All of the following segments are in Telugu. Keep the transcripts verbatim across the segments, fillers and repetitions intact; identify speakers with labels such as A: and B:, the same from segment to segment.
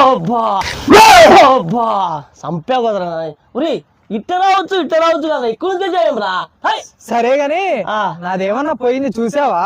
A: సంపావు కదరా ఉరి ఇట్ట రావచ్చు ఇట్ట రావచ్చు కదా ఎక్కువ చేయం రా.
B: సరే గాని నాదేమన్నా పోయింది చూసావా?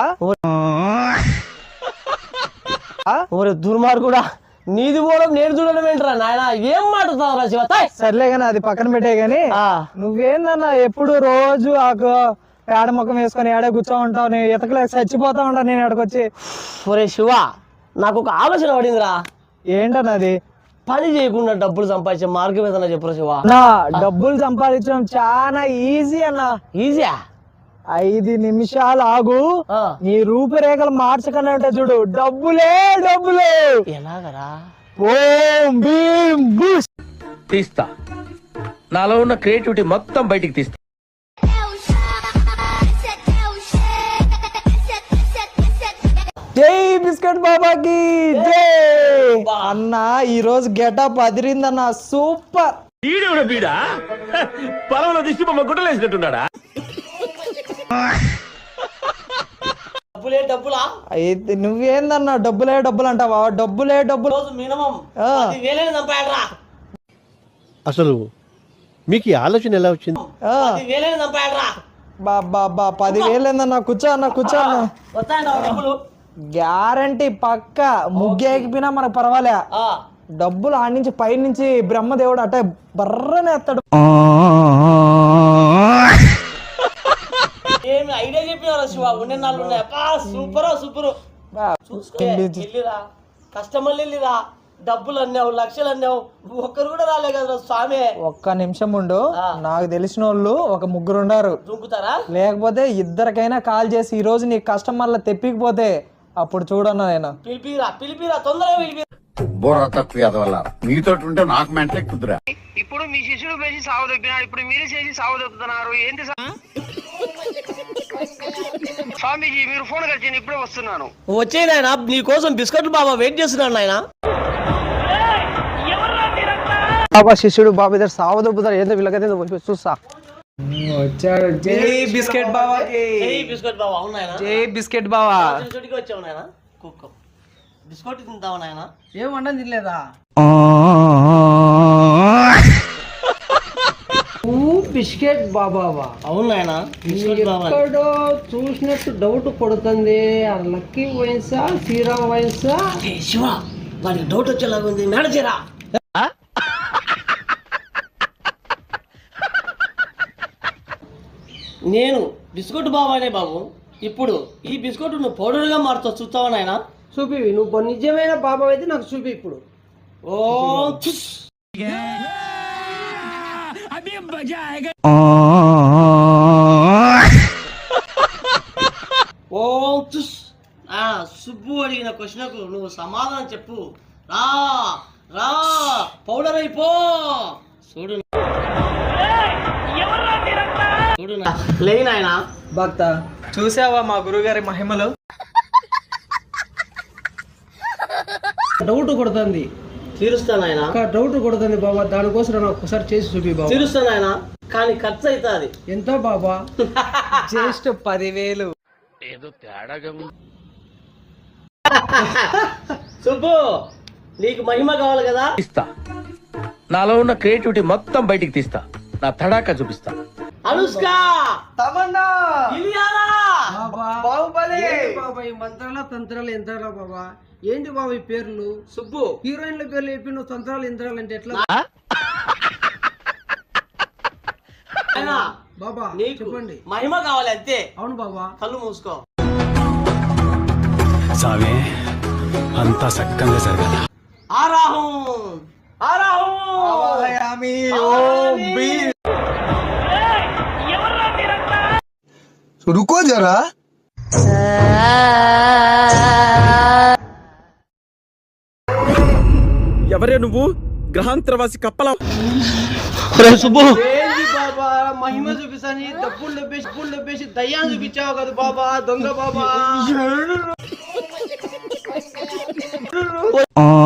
A: ఒరే దుర్మార్గుడా నీది కూడా నేను చూడడం ఏంటరా నాయన ఏం మాట్లాడతావు రా శివ.
B: సర్లే గాని అది పక్కన పెట్టే గాని నువ్వేందన్నా ఎప్పుడు రోజు ఆ పేడ ముఖం వేసుకొని ఏడే కూర్చో ఉంటావు, నేను ఎతకలేక చచ్చిపోతా ఉంటా నేను ఎక్కడికొచ్చి.
A: ఒరే శివ నాకు ఒక ఆలోచన పడిందిరా.
B: ఏంటన్నది?
A: పని చేయకుండా డబ్బులు సంపాదించే మార్గం ఏదన్నా చెప్పురా శివ.
B: నా డబ్బులు సంపాదించడం చాలా ఈజీ అన్న.
A: ఈజీయా?
B: ఐదు నిమిషాలు ఆగు, నీ రూపురేఖలు మార్చకుండా ఉంటే చూడు డబ్బులే డబ్బులు.
A: ఎలాగరా?
C: ఓం భీం బూస్ తీస్తా, నాలో ఉన్న క్రియేటివిటీ మొత్తం బయటికి తీస్తా.
B: జై బిస్కెట్ బాబాకి జై అన్న. ఈ రోజు గెటప్ అదిరిందన్న, సూపర్.
C: బీడా పొలంలో దిష్టి బొమ్మ గుట్టలేసినట్టున్నాడా?
A: డబ్బులే డబ్బులా?
B: అయితే నువ్వేందన్నా డబ్బులే డబ్బులు అంటావా? డబ్బులే డబ్బులు
A: మినిమం పదివేలని చంపాడరా.
D: అసలు మీకు ఈ ఆలోచన ఎలా వచ్చింది?
A: పదివేలని చంపాడరా.
B: బాబా పదివేలు ఏందన్నా? కూర్చో అన్న కూర్చో అన్న.
A: డబ్బులు
B: గ్యారంటీ పక్క. ముగ్గేకిపోయినా మనకు పర్వాలే, డబ్బులు ఆడి నుంచి పై నుంచి బ్రహ్మదేవుడు అట్ట బర్రనే ఎత్తాడు.
A: ఏమి ఐడియా చెప్పినారా శివ? ఉండే నాలుగు ఉన్నాయా? Super super. వెళ్ళిరా కస్టమర్లు వెళ్ళిరా, డబ్బులు అన్నావు లక్షలు అన్నావు, ఒక్కరు కూడా రాలే కదా స్వామి.
B: ఒక్క నిమిషం ఉండు, నాకు తెలిసిన వాళ్ళు ఒక ముగ్గురు ఉండారు.
A: దుంకుతారా?
B: లేకపోతే ఇద్దరికైనా కాల్ చేసి ఈ రోజు నీ కస్టమర్ల తెప్పికపోతే అప్పుడు చూడన్నా నేను.
A: పిలిపిరా పిలిపిరా తొందరగా పిలిపిరా.
E: బోరా తక్కువ వల్ల మీతో ఉంటే నాకు మెంటలే కుదురా.
F: ఇప్పుడు మీ శిష్యుడు పేసి సాగు దొప్పినాడు, ఇప్పుడు మీరు చేసి సాగు దొప్పుతున్నారు ఏంటి స్వామీజీ? మీరు ఫోన్ కలిసి ఇప్పుడే వస్తున్నాను.
A: వచ్చే నాయన నీ కోసం బిస్కెట్లు బాబా వెయిట్ చేస్తున్నాడు నాయన.
B: బాబా శిష్యుడు బాబా ఇద్దరు సాగు దొప్పుతారు ఏంటో వీళ్ళకైతే చూస్తా. వచ్చాడు. జై బిస్కెట్ బాబాకి
A: జై బిస్కెట్ బాబా. అవునాయన
B: జై బిస్కెట్ బాబా.
A: చోటికి వచ్చావు నాయన. కుక్క బిస్కెట్ తింటావు నాయన.
B: ఏం వండని తినలేదా? బిస్కెట్ బాబావా?
A: అవును నాయన
B: ఎక్కడో చూసినట్టు డౌట్ కొడుతుంది. లక్కీ వైన్సా శ్రీరామ్ వైన్సా?
A: శివ వాడికి డౌట్ వచ్చేలాగా ఉంది, మేనేజరా. నేను బిస్కెట్ బాబానే బాబు. ఇప్పుడు ఈ బిస్కెట్ నువ్వు పౌడర్ గా మారుతావు, చూస్తావా నాయన?
B: చూపి, నువ్వు నిజమైన బాబా అయితే నాకు చూపి ఇప్పుడు.
A: ఓ ఓం తుస్. సుబ్బు అడిగిన క్వశ్చన్కు నువ్వు సమాధానం చెప్పు. రా రా పౌడర్ అయిపో. చూడు చూడు లేని ఆయన
B: భక్త, చూసావా మా గురుగారి మహిమలు? డౌట్ కొడుతుంది.
A: తీరుస్తాను ఆయన.
B: డౌట్ కొడుతుంది బాబా, దానికోసం నాకు ఒకసారి చేసి చూపి బాబా.
A: తీరుస్తాను ఆయన, కానీ ఖర్చు అవుతుంది.
B: ఎంత బాబా? జస్ట్ పదివేలు.
C: ఏదో తేడాగా
A: సుబ్బు నీకు మహిమ కావాలి కదా,
C: తీస్తా, నాలో ఉన్న క్రియేటివిటీ మొత్తం బయటికి తీస్తా, నా తడాకా చూపిస్తా.
A: అనుష్క
B: తమన్నా
A: ఇలియానా
B: బాహుబలి.
F: బాబా ఈ మంత్రాల తంత్రాలు యంత్రాల బాబా ఏంటి బాబా ఈ పేర్లు?
A: సుబ్బు
F: హీరోయిన్ల పేర్లు చెప్పి నువ్వు తంత్రాలు యంత్రాలు అంటే ఎట్లా బాబా? చెప్పండి.
A: మహిమ కావాలి అంతే.
F: అవును బాబా.
A: కళ్ళు మూసుకో.
G: సామే అంతా సక్కంగా జరగాల.
A: ఆరాహం ఆరాహం
E: రుకో జరా.
G: ఎవరే నువ్వు? గ్రహాంతరవాసి కప్పల.
A: సుబ్బు
F: ఏంటి బాబా మహిమ చూపిస్తాని డబ్బులు డబ్బేసి డబ్బులు డబ్బేసి దయ్యాన్ని చూపించావు కదా బాబా, దొంగ బాబా.